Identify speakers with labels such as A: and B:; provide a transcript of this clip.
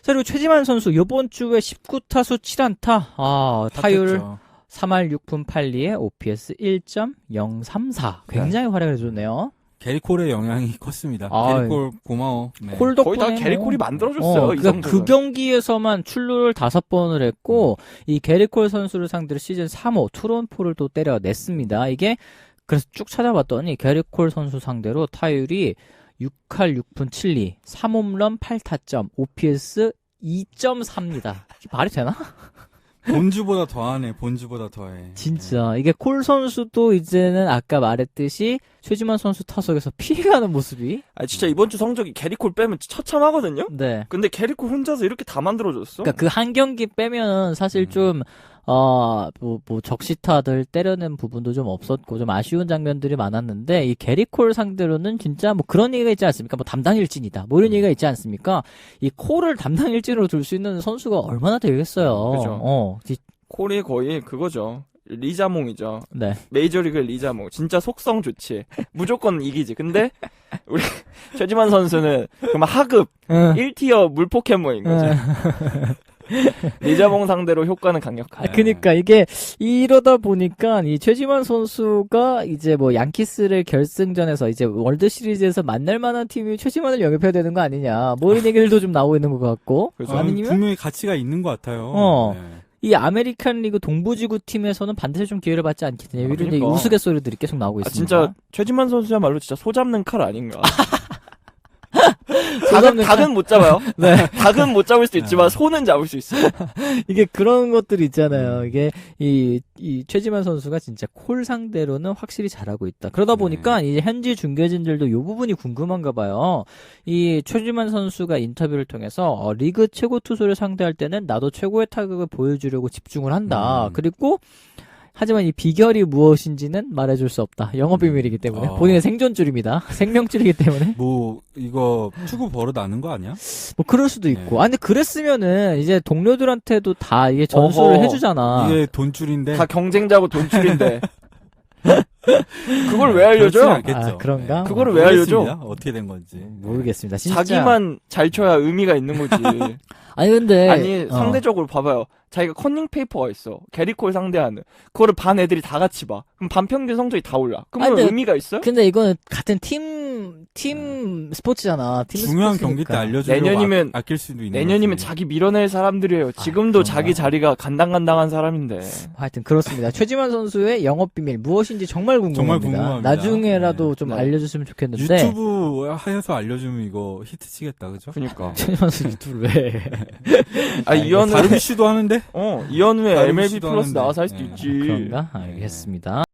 A: 자, 그리고 최지만 선수 이번 주에 19타수 7안타. 타율 3할 6푼 8리에 OPS 1.034. 굉장히 활약을 해줬네요.
B: 게리 콜의 영향이 컸습니다. 게리 콜 고마워. 네.
A: 콜 덕분에
C: 거의 다 게리 콜이 만들어줬어요.
A: 그러니까 그 경기에서만 출루를 5번을 했고 이 게리 콜 선수를 상대로 시즌 3호 투런포를 또 때려냈습니다. 이게 그래서 쭉 찾아봤더니 게리 콜 선수 상대로 타율이 6할 6푼 7리, 3홈런 8타점, OPS 2.4입니다. 말이 되나?
B: 본주보다 더하네. 본주보다 더해.
A: 진짜 이게 콜 선수도 이제는 아까 말했듯이 최지만 선수 타석에서 피해가는 모습이.
C: 진짜 이번 주 성적이 게리콜 빼면 처참하거든요.
A: 네.
C: 근데 게리콜 혼자서 이렇게 다 만들어줬어.
A: 그러니까 그 한 경기 빼면 사실 좀 적시타들 때려낸 부분도 좀 없었고 좀 아쉬운 장면들이 많았는데 이 게리콜 상대로는 진짜 뭐 그런 얘기가 있지 않습니까? 뭐 담당 일진이다. 뭐 이런 얘기가 있지 않습니까? 이 콜을 담당 일진으로 둘 수 있는 선수가 얼마나 되겠어요.
C: 그죠. 콜이 거의 그거죠. 리자몽이죠.
A: 네.
C: 메이저리그 리자몽. 진짜 속성 좋지. 무조건 이기지. 근데 우리 최지만 선수는 그럼 하급 1티어 물포켓몬인 거지. 리자몽 상대로 효과는 강력하다.
A: 그러니까 이게 이러다 보니까 이 최지만 선수가 이제 뭐 양키스를 결승전에서 이제 월드 시리즈에서 만날 만한 팀이 최지만을 영입해야 되는 거 아니냐. 뭐 이런 얘기들도 좀 나오고 있는 것 같고.
B: 아니면 분명히 가치가 있는 것 같아요. 네.
A: 이 아메리칸 리그 동부지구 팀에서는 반드시 좀 기회를 받지 않겠느냐. 이런
C: 그러니까.
A: 얘기 우스갯소리들이 계속 나오고 있습니다.
C: 진짜 최지만 선수야말로 진짜 소 잡는 칼 아닌가. 닭은 못 잡아요.
A: 네.
C: 닭은 못 잡을 수 있지만 소는 잡을 수 있어요.
A: 이게 그런 것들이 있잖아요. 이게 이 최지만 선수가 진짜 콜 상대로는 확실히 잘하고 있다. 그러다 보니까 이제 현지 중계진들도 이 부분이 궁금한가 봐요. 이 최지만 선수가 인터뷰를 통해서 리그 최고 투수를 상대할 때는 나도 최고의 타격을 보여주려고 집중을 한다. 그리고 하지만 이 비결이 무엇인지는 말해줄 수 없다. 영업 비밀이기 때문에. 본인의 생존줄입니다. 생명줄이기 때문에.
B: 뭐, 이거, 투구 버릇 아는 거 아니야?
A: 뭐, 그럴 수도 있고. 근데 그랬으면은, 이제 동료들한테도 다 이게 전수를 해주잖아.
B: 이게 돈줄인데.
C: 다 경쟁자고 돈줄인데. 그걸 왜 알려줘?
A: 그런가?
C: 네. 그거를 왜 알려줘?
B: 어떻게 된 건지.
A: 모르겠습니다. 진짜.
C: 자기만 잘 쳐야 의미가 있는 거지.
A: 근데.
C: 상대적으로 봐봐요. 자기가 커닝 페이퍼가 있어. 게리콜 상대하는. 그거를 반 애들이 다 같이 봐. 그럼 반 평균 성적이 다 올라. 그럼 의미가 있어요?
A: 근데 이거는 같은 팀 스포츠잖아. 팀
B: 중요한
A: 스포츠니까.
B: 경기 때 알려주려고
C: 내년이면
B: 아낄 수도 있는
C: 내년이면 자기 밀어낼 사람들이에요. 지금도 자기 자리가 간당간당한 사람인데.
A: 하여튼 그렇습니다. 최지만 선수의 영업 비밀 무엇인지 정말 궁금합니다. 나중에라도 좀 알려줬으면 좋겠는데.
B: 유튜브 해서 알려주면 이거 히트 치겠다, 그죠?
C: 그니까.
A: 최지만 선수 유튜브를 왜?
C: 이현우
B: 다루비쉬도 하는데?
C: 이현우의 MLB 플러스 나와서 할 수도 있지.
A: 그런가? 알겠습니다.